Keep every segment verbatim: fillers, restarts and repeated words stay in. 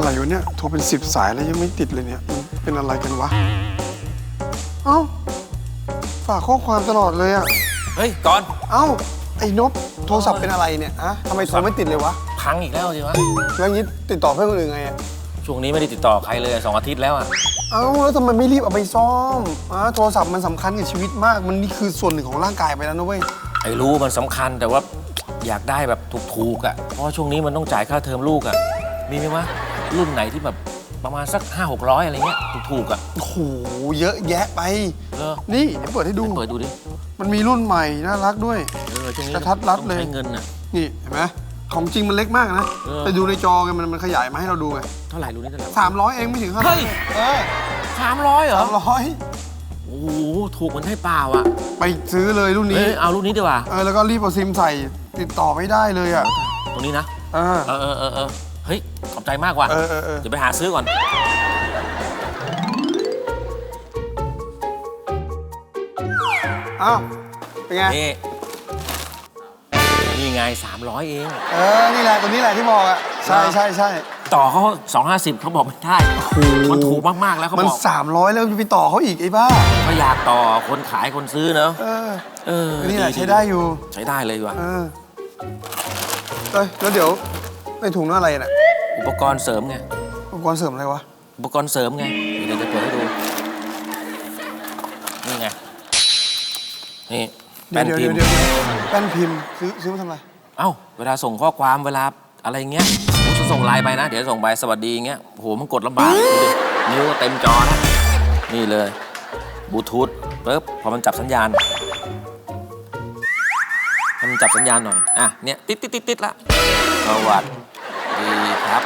ร่วะเนี่ยโทรเป็นสิบสายแล้วยังไม่ติดเลยเนี่ยมันเป็นอะไรกันวะเอ้าฝากข้อความตลอดเลยอะเฮ้ยก่อนเอ้าไอ้นพโทรศัพท์เป็นอะไรเนี่ยอะทำไมโทรไม่ติดเลยวะพังอีกแล้วสิวะแล้วงี้ติดต่อเพื่อนคนอื่นไงอะช่วงนี้ไม่ได้ติดต่อใครเลยสองอาทิตย์แล้วอะเอ้าแล้วทำไมไม่รีบเอาไปซ่อมอะโทรศัพท์มันสำคัญกับชีวิตมากมันนี่คือส่วนหนึ่งของร่างกายไปแล้วนะเว้ยไอ้รู้มันสำคัญแต่ว่าอยากได้แบบถูกๆอะเพราะว่าช่วงนี้มันต้องจ่ายค่าเทอมลูกอะมีไหมวะรุ่นไหนที่แบบประมาณสักห้าหกร้อยอะไรเงี้ยถูกๆอะโอ้โหเยอะแยะไปนี่เดี๋ยวเปิดให้ดูเปิดดูดิมันมีรุ่นใหม่น่ารักด้วยกระทัดรัดเลยใช้เงินอะนี่เห็นไหมของจริงมันเล็กมากนะไปดูในจอไงมันมันขยายมาให้เราดูไงเท่าไหร่รู้นี่เท่าไหร่สามร้อยเองไม่ถึงห้าเฮ้ยสามร้อยเหรอสามร้อยโอ้โหถูกมันให้เปล่าอ่ะไปซื้อเลยรุ่นนี้เอารุ่นนี้ดีกว่าเออแล้วก็รีบเอาซิมใส่ติดต่อไม่ได้เลยอ่ะตรงนี้นะเออเออเออเออเฮ้ยขอบใจมากว่ะเออเออเออเดี๋ยวไปหาซื้อก่อนอ้าวเป็นไงนี่นี่ไงสามร้อยเองเออนี่แหละตัวนี้แหละที่บอกอ่ะใช่ใช่ใช่ต่อเขาสองห้าสิบเขาบอกไม่ได้มันถูกมากๆแล้วเขาบอกมันสามร้อยแล้วไปต่อเขาอีกไอ้บ้าเขาอยากต่อคนขายคนซื้อเนอะเออเออนี่แหละใช้ได้อยู่ใช้ได้เลยว่ะเออเอ้ยแล้วเดี๋ยวในถุงนั่นอะไรน่ะอุปกรณ์เสริมไงอุปกรณ์เสริมอะไรวะอุปกรณ์เสริมไงเดี๋ยวจะเปิดให้ดูนี่ไงนี่แป้นพิมพ์แป้นพิมพ์ซื้อซื้อมาทำอะไรเอ้าเวลาส่งข้อความเวลาอะไรเงี้ยผมจะส่งไลน์ไปนะเดี๋ยวส่งไปสวัสดีเงี้ยโหมันกดลำบากนิ้วเต็มจอนะนี่เลยบลูทูธปึ๊บพอมันจับสัญญาณให้มันจับสัญญาณหน่อยอ่ะเนี่ยติดติดติดติดละสวัสดีครับ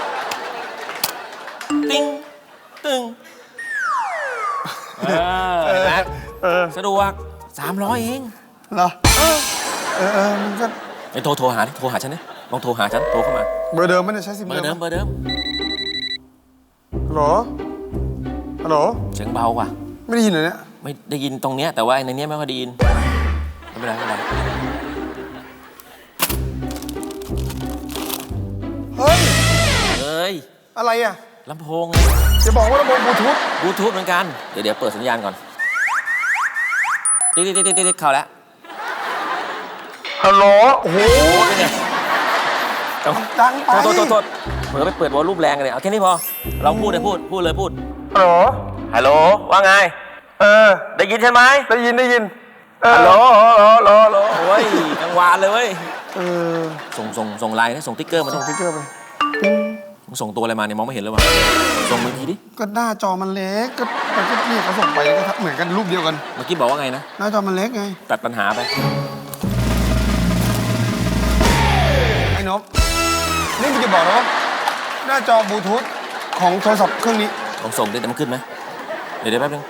ติ้งตึงเออเห็นไหมสะดวกสามร้อยเองเหรอเออเออเออมันก็ไอ้โทรโทรหาโทรหาฉันนี่ลองโทรหาฉันโทรเข้ามาเบอร์เดิมไม่ได้ใช้ซิมเบอร์เดิมเบอร์เดิมฮัลโหลฮัลโหลเสียงเบากว่าไม่ได้ยินเลยเนี่ยไม่ได้ยินตรงเนี้ยแต่ว่าในเนี้ยไม่ค่อยได้ยินไม่เป็นไรไม่เป็นไรเฮ้ยเฮ้ยอะไรอ่ะลำโพงจะบอกว่าลำโพงบลูทูธบลูทูธเหมือนกันเดี๋ยวเดี๋ยวเปิดสัญญาณก่อนติ๊ดติ๊ดติ๊ดติ๊ดเข้าแล้วฮัลโหลโอ้โหดังไปโทษโทษโทษเผื่อไปเปิดวอลลุ่มแรงกันเลยเอาแค่นี้พอเราพูดเลยพูดพูดเลยพูดฮัลโหลฮัลโหลว่าไงเออได้ยินใช่ไหมได้ยินได้ยินฮัลโหลฮัลโหลฮัลโหลโอ้ยกังวานเลยเว้ยเออส่งส่งส่งไลน์นะส่งติ๊กเกอร์มาส่งติ๊กเกอร์ไปมึงส่งตัวอะไรมาเนี่ยมองไม่เห็นเลยวะส่งมือทีดิก็หน้าจอมันเล็กก็มันก็เนี่ยเขาส่งไปก็เหมือนกันรูปเดียวกันเมื่อกี้บอกว่าไงนะหน้าจอมันเล็กไงตัดปัญหาไปไอ้นพนี่มึงจะบอกนะว่าหน้าจอบลูทูธของโทรศัพท์เครื่องนี้ลองส่งดิแต่มันขึ้นไหมเดี๋ยวเดี๋ยวแป๊บนึง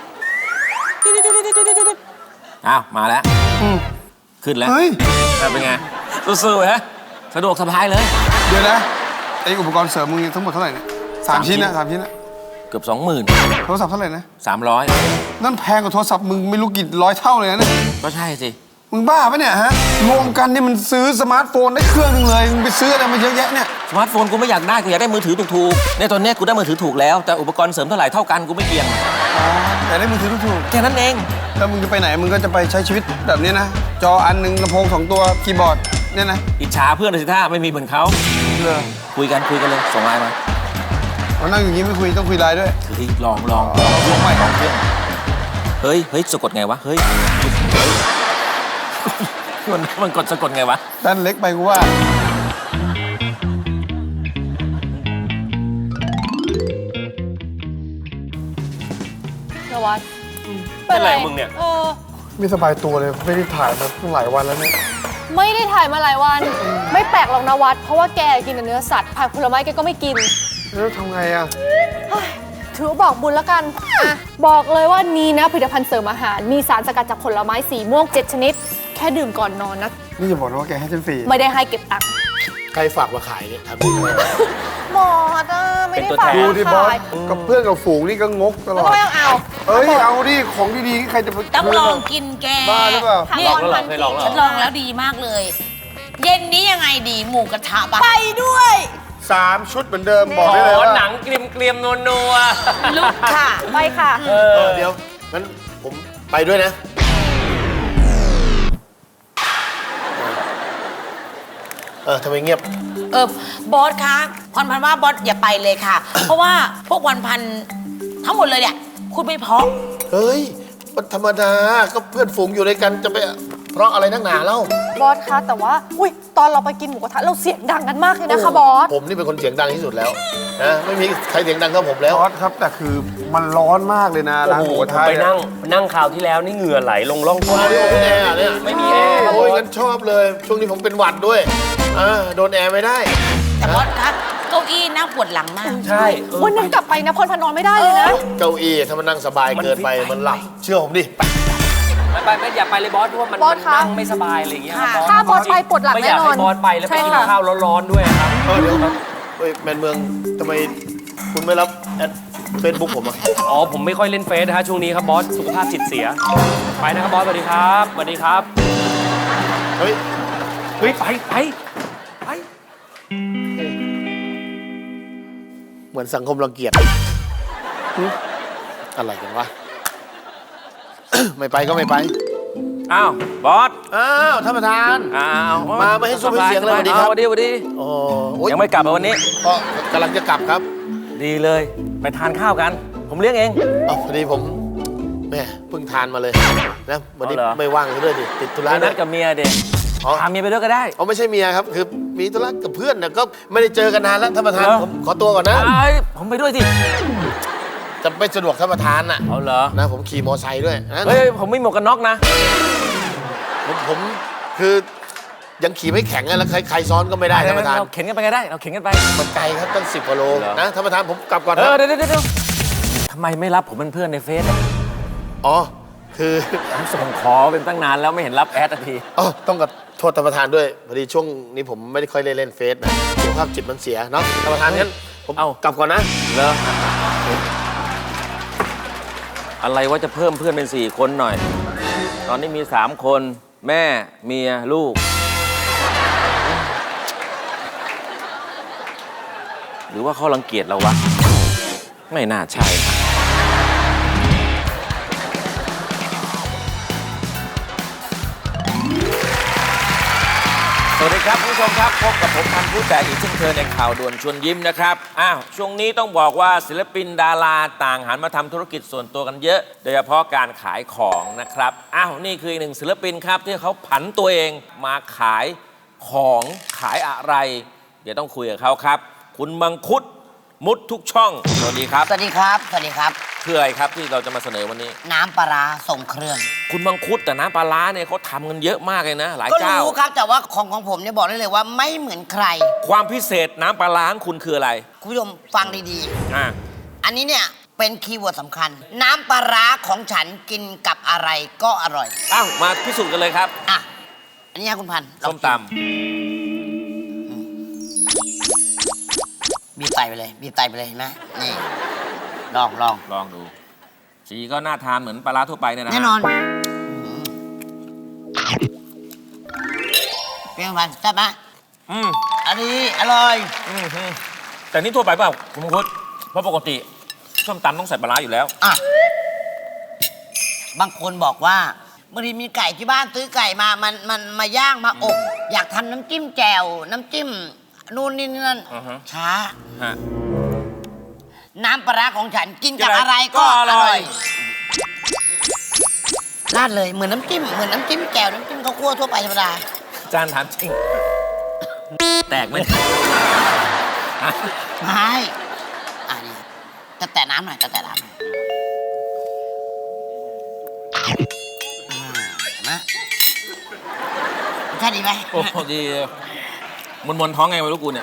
อ้าวมาแล้วขึ้นแล้วเฮ้ยเป็นไงสู้ๆฮะสะดวกสบายเลยเดี๋ยวนะไออุปกรณ์เสริมมึงทั้งหมดเท่าไหร่เนี่ยสามชิ้นนะสามชิ้นนะเกือบสองหมื่นโทรศัพท์เท่าไหร่นะสามร้อยนั่นแพงกว่าโทรศัพท์มึงไม่รู้กี่ร้อยเท่าเลยนะเนี่ยก็ใช่สิมึงบ้าปะเนี่ยฮะรวมกันนี่มันซื้อสมาร์ทโฟนได้เครื่องนึงเลยมึงไปซื้ออะไรมาเยอะแยะเนี่ยสมาร์ทโฟนกูไม่อยากได้กูอยากได้มือถือถูกๆในตอนนี้กูได้มือถือถูกแล้วแต่อุปกรณ์เสริมเท่าไหร่เท่ากันกูไม่เกี่ยงอ๋อแต่ได้มือถือถูกแค่นั้นเองแล้วมึงจะไปไหนมึงก็จะไปใช้ชีวิตแบบนี้นะจออันหนึ่งลำโพงสองตัวคีย์บอร์ดเนี่ยนะอิจฉาเพื่อนเลยสิท่าไม่มีเหมือนเขาเลยคุยกันคุยกันเลยส่งไลน์มาเรานั่งอย่างนี้ไม่คุยต้องคุยไลน์ด้วยเฮ้ยลองลองลองใหม่ลองเพื่อนเฮ้ยเฮ้ยสะกดไงวะเฮ้ยมันมันกดสะกดไงวะด้านเล็กไปกูว่านวัดเป็นไรมึงเนี่ยเออไม่สบายตัวเลยไม่ได้ถ่ายมาตั้งหลายวันแล้วเนี่ยไม่ได้ถ่ายมาหลายวันไม่แปลกหรอกนวัดเพราะว่าแกกินแต่เนื้อสัตว์ผักผลไม้แกก็ไม่กินแล้วทำไงอ่ะถือบอกบุญแล้วกันอ่ะบอกเลยว่านี้นะผลิตภัณฑ์เสริมอาหารมีสารสกัดจากผลไม้สีม่วงเจ็ดชนิดแค่ดื่มก่อนนอนนะนี่จะบอกนะว่าแกให้ฉันฟรีไม่ได้ให้เก็บตังค์ใครฝากมาขายเนี่ยทำยังไงหมออ่ะไม่ได้ฝากดูดิบอสกับเพื่อนกับฝูงนี่ก็งกตลอดก็ไม่ต้องเอาเอ้ยเอาดิของดีๆใครจะต้องลองกินแกบ้าหรือเปล่านี่ฉันลองแล้วดีมากเลยเย็นนี้ยังไงดีหมูกระทะปะไปด้วยสามชุดเหมือนเดิมบอกได้เลยขอว่าหนังเกรียมเกรียมๆนัวลุกค่ะ ไปค่ะๆเอเอออเดี๋ยวงั้นผมไปด้วยนะ เออทำไมเงียบเออบอสคะพรพันธ์ว่าบอสอย่าไปเลยค่ะ เพราะว่าพวกวันพันธ์ทั้งหมดเลยเนี่ยคุณไม่เพราะเฮ้ยมันธรรมดาก็เพื่อนฝูงอยู่ด้วยกันจะไปเพราะอะไรนักหนาเล่าบอสคะแต่ว่า อุ้ยตอนเราไปกินหมูกระทะเราเสียงดังกันมากเลยนะคะบอสผมนี่เป็นคนเสียงดังที่สุดแล้วนะไม่มีใครเสียงดังเท่าผมแล้วบอสครับแต่คือมันร้อนมากเลยนะร้านหมูกระทะไปเนี่ยนั่งนั่งข่าวที่แล้วนี่เหงื่อไหลลงร่องก้นมาดิโอเป็นแอร์เนี่ยไม่มีแอร์ครับโอ้ยบอสงั้นชอบเลย ช่วงนี้ผมเป็นหวัดด้วยอ่าโดนแอร์ไม่ได้แต่บอสคะเก้าอี้น่าปวดหลังมากใช่เออวันนั้นกลับไปนะพรพันธ์นอนไม่ได้เลยนะเก้าอี้ถ้ามันนั่งสบายเกินไปมันฟิตไปมันหลับ เชื่อผมดิไปไปไม่อย่าไปเลยบอสเพราะว่ามันบอสมันคะนั่งไม่สบายอะไรอย่างเงี้ยครับบอสถ้าบอสไปปวดหลังไม่อแน่ยากนอให้นบอสไปแล้วไปใช่กินค่ะข้าวร้อนๆด้วยครับเออเดี๋ยวเฮ้ยแมนเมืองทำไมคุณไม่รับแอดเฟซบุ๊กผมอ่ะอ๋อผมไม่ค่อยเล่นเฟซนะฮะช่วงนี้ครับบอสสุขภาพจิตเสีย ไปนะครับบอสสวัสดีครับสวัสดีครับเฮ้ยเฮ้ยไปไปไปเหมือนสังคมรังเกียจหึอะไรกันวะ ไม่ไปก็ไม่ไปอ้าวบอสอ้าวท่านประธานอ้าวมาไม่ให้ซุ้มให้เสียงเลยสวัสดีครับสวัสดีสวัสดีโอ้โอ้ยยังไม่กลับมาวันนี้ก็กำลังจะกลับครับดีเลย ไปทานข้าวกัน ผมเลี้ยงเองอ๋อพอดีผมแม่เพิ่งทานมาเลยนะวันนี้เอาเหรอไม่ว่างซะด้วยดิติดธุระไปนันะดกับเมียเด็กอ๋อพาเมียไปด้วยก็ได้อ๋อไม่ใช่เมียครับ คือมีธุระกับเพื่อนนะก็ไม่ได้เจอกันนานแล้วท่านประธานเหรอผมขอตัวก่อนนะเอ้ยผมไปด้วยสิจะไม่สะดวกท่านประธานน่ะเอาเหรอนะผมขี่มอไซค์ด้วยนะเฮ้ยผมไม่หมวกกันน็อกนะผมผมคือยังขี่ไม่แข็งอะแล้วใครใครซ้อนก็ไม่ได้ท่านประธานเราเข็นกันไปก็ได้ เราเข็นกันไปมันไกลครับตั้งสิบกิโลเหรอนะท่านประธานผมกลับก่อนเอนะอเดี๋ยวเดี๋ยวเดี๋ยวทำไมไม่รับผมเป็นเพื่อนในเฟซอะอ๋อคือผมส่งขอเป็นตั้งนานแล้วไม่เห็นรับแอดสักทีอ๋อต้องกับโทษท่านประธานด้วยพอดีช่วงนี้ผมไม่ได้ค่อยได้เล่นเฟซนะสุขภาพจิตมันเสียเนาะท่านประธานงั้นผมเอ้ากลับก่อนนะเหรออะไรว่าจะเพิ่มเพื่อนเป็นสี่คนหน่อย ตอนนี้มีสามคน แม่เมียลูก หรือว่าเขารังเกียจเราวะ ไม่น่าใช่ สวัสดีครับคุณผู้ชมครับพบกับผมพันธุ์ผู้แตกอีกเช่นเคยในข่าวด่วนชวนยิ้มนะครับอ้าวช่วงนี้ต้องบอกว่าศิลปินดาราต่างหันมาทำธุรกิจส่วนตัวกันเยอะ โดยเฉพาะการขายของนะครับอ้าวนี่คืออีกหนึ่งศิลปินครับที่เขาผันตัวเองมาขายของขายอะไร เดี๋ยวต้องคุยกับเขาครับ คุณมังคุดมุดทุกช่องสวัสดีครับสวัสดีครับ สวัสดีครับคืออะไรครับที่เราจะมาเสนอวันนี้น้ำปลาร้าส่งเครื่องคุณมังคุดแต่น้ำปลาร้าเนี่ยเขาทำกันเยอะมากเลยนะ หลายก็เจ้ารู้ครับแต่ว่าของของผมเนี่ยบอกได้เลยว่าไม่เหมือนใครความพิเศษน้ำปลาร้าของคุณคืออะไรคุณผู้ชมฟังดีอ่าๆ อันนี้เนี่ยเป็นคีย์เวิร์ดสำคัญ น้ำปลาร้าของฉันกินกับอะไรก็อร่อยอ้าวมาพิสูจน์กันเลยครับอ่ะ อันนี้ฮะคุณพันธุ์ลองส้มตบีบไตไปเลยบีบไตไปเลยเห็นไหมนี่ลองลองำลองดู สีก็น่าทานเหมือนปลาร้าทั่วไปเนี่ยนะฮะแน่นอนเป็นไงพันธุ์แซ่บไหมอืมอันนี้อร่อยอืมอืมแต่นี่ทั่วไปเปล่าคุณมังคุดเพราะปกติส้มตำต้องใส่ปลาร้าอยู่แล้วอ่ะ บางคนบอกว่าบางทีมีไก่ที่บ้านซื้อไก่มา มัน มันมาย่างมาอบ อยากทำน้ำจิ้มแจ่ว น้ำจิ้มนู่นนี่นั่นอือฮะช้าฮะน้ำปลาร้าของฉันกินกับกินอะไรอะไรก็ก็ออร่ร่ออย ยราดเลย เหมือนน้ำจิ้ม เหมือนน้ำจิ้มแจ่ว น้ำจิ้มข้าวคั่วทั่วไปธรรมดาจานถามจริง แตกไหมไม่อ่ะนี่จะแตะน้ำหน่อยจะแตะน้ำหน่อยอ่าเห็นไหมรสชาติดีไหมโอ้โหดีมวนมวนๆท้องไงไม่รู้กูเนี่ย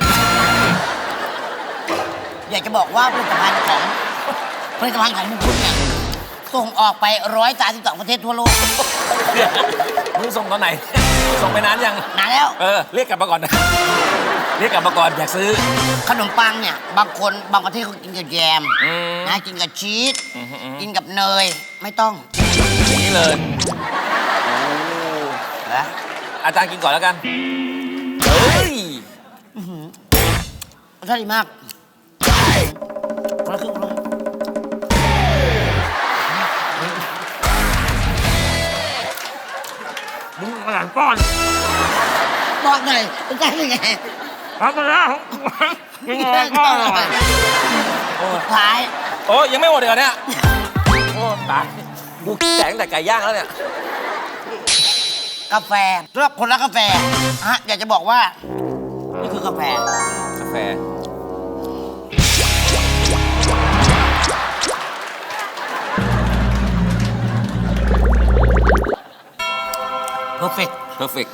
อยากจะบอกว่าผลิตภัณฑ์ของผลิตภัณฑ์ของมุกคุณเนี่ยส่งออกไปร้อยสามสิบสองประเทศทั่วโลกมึงส่งตอนไหน ส่งไปนานยังนานแล้วเออ เรียกกลับมาก่อนนะ เรียกกลับมาก่อนอยากซื้อขนมปังเนี่ย บางคนบางประเทศเขากินกับแยมอืมนะกินกับชีสอืมอืมอืมกินกับเนยไม่ต้องอย่างนี้เลยนะอาจารย์กินก่อนแล้วกัน เฮ้ยรสรสชาติดีมากคนละครึ่งคนละครึ่งมึงมาหลังป้อนบอกหน่อยรสชาติเป็นไงครับมาแล้วยังไงก็อร่อยสุดท้ายโอ้ยังไม่หมดเลยเนี่ยโอ้ตายกูแสงแต่ไก่ย่างแล้วเนี่ยกาแฟสำหรับคนรักกาแฟฮะอยากจะบอกว่า นี่คือกาแฟกาแฟเพอร์เฟก perfect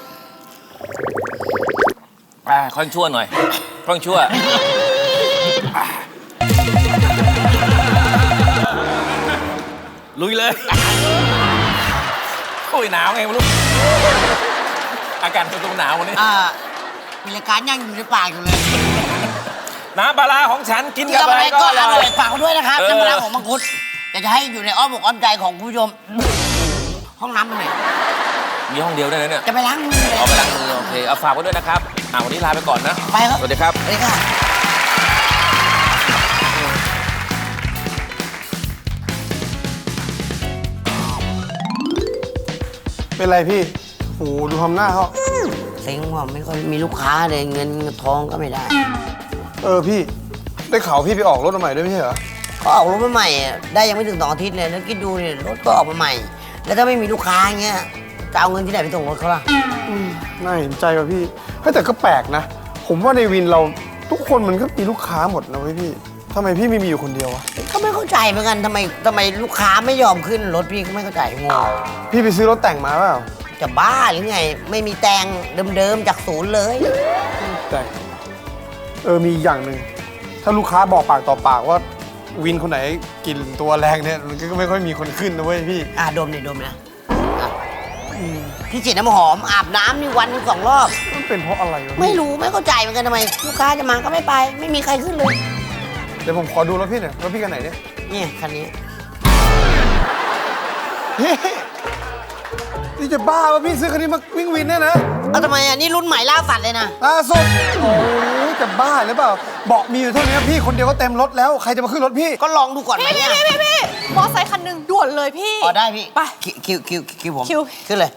อ่าค่อยชั่วหน่อยค่อยชั่ว ลุยเลยโอ้ยหนาวไงไม่รู้ อากาศเป็นตัวหนาววันนี้อ่ามีรายการยังอยู่ในปากอยู่เลยน้ำปลาร้าของฉันกินกินกับกับอะอะไร ไรก็ก็ออร่ร่ออย ยฝากไว้ด้วยนะครับเออน้ำปลาร้าของมังคุดอยากจะให้อยู่ในอ้อมอกอ้อมใจของคุณผู้ชม ห้องน้ำตรงไหนมีห้องเดียวได้เลยเนี่ยจะไปล้างมือเลยเอาไปล้างมือโอเค เอาฝากไว้ด้วยนะครับ อ่าวันนี้ลาไปก่อนนะไปครับสวัสดีครับสวัสดีค่ะเป็นไรพี่โอ้โหดูทำหน้าเขาเซ็งว่าไม่ค่อยมีลูกค้าเลยเงินทองก็ไม่ได้เออพี่ ได้ข่าวพี่ไปออกรถมาใหม่ด้วยไม่ใช่เหรอก็ออกรถมาใหม่อะได้ยังไม่ถึงสองอาทิตย์เลยแล้วคิดดูเนี่ยรถก็ออกมาใหม่ แล้วถ้าไม่มีลูกค้าอย่างเงี้ยจะเอาเงินที่ไหนไปส่งรถเขาล่ะน่าเห็นใจว่ะพี่เฮ้ยแต่ก็แปลกนะ ผมว่าในวินเราทุกคนมันก็มีลูกค้าหมดนะเว้ยพี่ทำไมพี่ไม่มีอยู่คนเดียววะก็ไม่เข้าใจเหมือนกันทำไมทำไมลูกค้าไม่ยอมขึ้นรถพี่ก็ไม่เข้าใจงงพี่ไปซื้อรถแต่งมาเปล่าจะบ้าหรือไง ไม่มีแต่งเดิมๆจากศูนย์เลยแต่งเออมีอีกอย่างหนึ่งถ้าลูกค้าบอกปากต่อปากว่าวินคนไหนกลิ่นตัวแรงเนี่ยมันก็ไม่ค่อยมีคนขึ้นนะเว้ยพี่อ่ะดมเลยดมนะอ่ะพี่ฉีดน้ำหอมอาบน้ำนี่วันหนึ่งสองรอบมันเป็นเพราะอะไรวะพี่ไม่รู้ไม่เข้าใจเหมือนกันทำไม ลูกค้าจะมาก็ไม่ไป ไม่มีใครขึ้นเลยเดี๋ยวผมขอดูรถพี่หน่อยรถพี่กันไหนเนี่ยนี่คันนี้เฮ้ยนี่จะบ้าว่าพี่ซื้อคันนี้มาวิ่งวินเนี่ยนะเอาทำไมอ่ะนี่รุ่นใหม่ล่าสัตว์เลยนะล่าสุดโอ้ยจะบ้าหรือเปล่าเบาะมีอยู่เท่านี้พี่คนเดียวก็เต็มรถแล้วใครจะมาขึ้นรถพี่ก็ลองดูก่อนไหมพี่เนี่ยพี่พี่พี่มอไซค์คันหนึ่งด่วนเลยพี่อ๋อได้พี่ไปคิวคิวคิวคิวผมคิวขึ้นเลย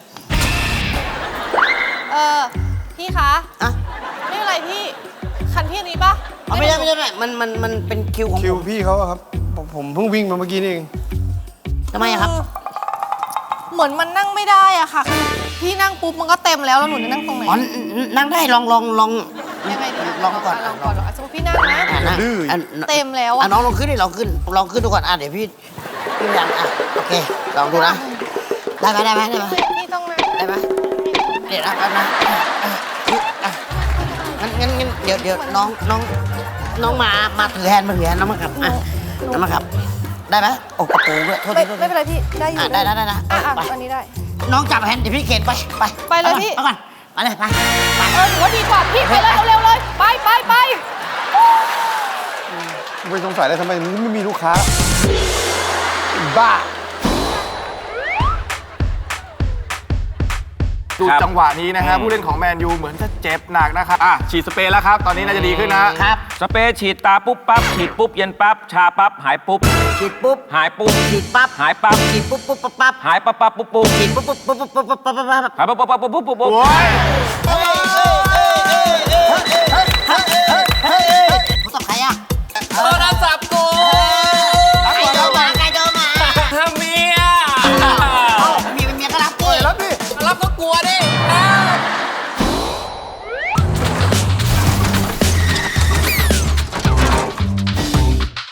เออพี่คะอ่ะไม่เป็นไรพี่ คันพี่อันนี้ปะเอาไม่ได้ไม่ได้ไม่ได้มันมันมันเป็นคิวของคิวผมพี่เขาอะครับผมผมเพิ่งวิ่งมาเมื่อกี้นี่เองทำไมอะครับเหมือนมันนั่งไม่ได้อะค่ะคือพี่นั่งปุ๊บมันก็เต็มแล้วแล้วหนูจะนั่งตรงไหนอ๋อนั่งได้ลองลองลองยังไงดีะลองก่อนลองก่อนสมมติพี่นั่งนะอ่ะนะอ่ะเต็มแล้วอ่ะอะน้องลองขึ้นดิลองขึ้นลองขึ้นดูก่อนอ่ะเดี๋ยวพี่พี่ยังอ่ะโอเคลองดูนะได้ไหมได้ไหมได้ไหมพี่ต้องนั่งได้ไหมเดี๋ยวนะแป๊บนะอ่ะอ่ะอ่ะงั้นงั้นงั้นเดี๋ยวเดี๋ยวน้องน้องน้องมามาถือแฮนด์มาถือแฮนด์น้องมาขับอ่ะน้องมาขับได้ไหมโอ้กระโปรงด้วยโทษไม่ทีโทษทีไม่เป็นไรพี่ได้อยู่อ่ะได้ได้ได้นะอ่ะอ่ะไปอันนี้ได้น้องจับแฮนด์เดี๋ยวพี่เข็นไปไปไปเลยพี่ไปก่อนไปเลยไปไปเออหนูว่าดีกว่าพี่ไปเลยเร็วๆเลย ไปไปไปไม่สงสัยเลยทำไมมันไม่มีลูกค้าบ้าดูจังหวะนี้นะฮะผู้เล่นของแมนยูเหมือนจะเจ็บหนักนะครับอ่ะฉีดสเปรย์แล้วครับ ตอนนี้น่าจะดีขึ้นนะฮะครับสเปรย์ฉีดตาปุ๊บปั๊บฉีดปุ๊บเย็นปั๊บชาปั๊บหายปุ๊บฉีดปุ๊บหายปุ๊บฉีดปั๊บหายปั๊บฉีดปุ๊บปุ๊บปั๊บปั๊บหายปั๊บปั๊บปุ๊บปุ๊บฉีดปุ๊บปุ๊บปุ๊บปุ๊บปุ๊บปุ๊บปุ๊บปุ๊บหายปั๊บปั๊บปั๊บปุ๊บปุ๊บปุ๊บปุ๊บโอ้ยผู้ตบใครอ่ะโทรศัพท์กูใครโทรมาใครโทรมาเมียเอ้าเมียเป็นเมียก็รับดิแล้วพี่รับก็กลัวดิอ้า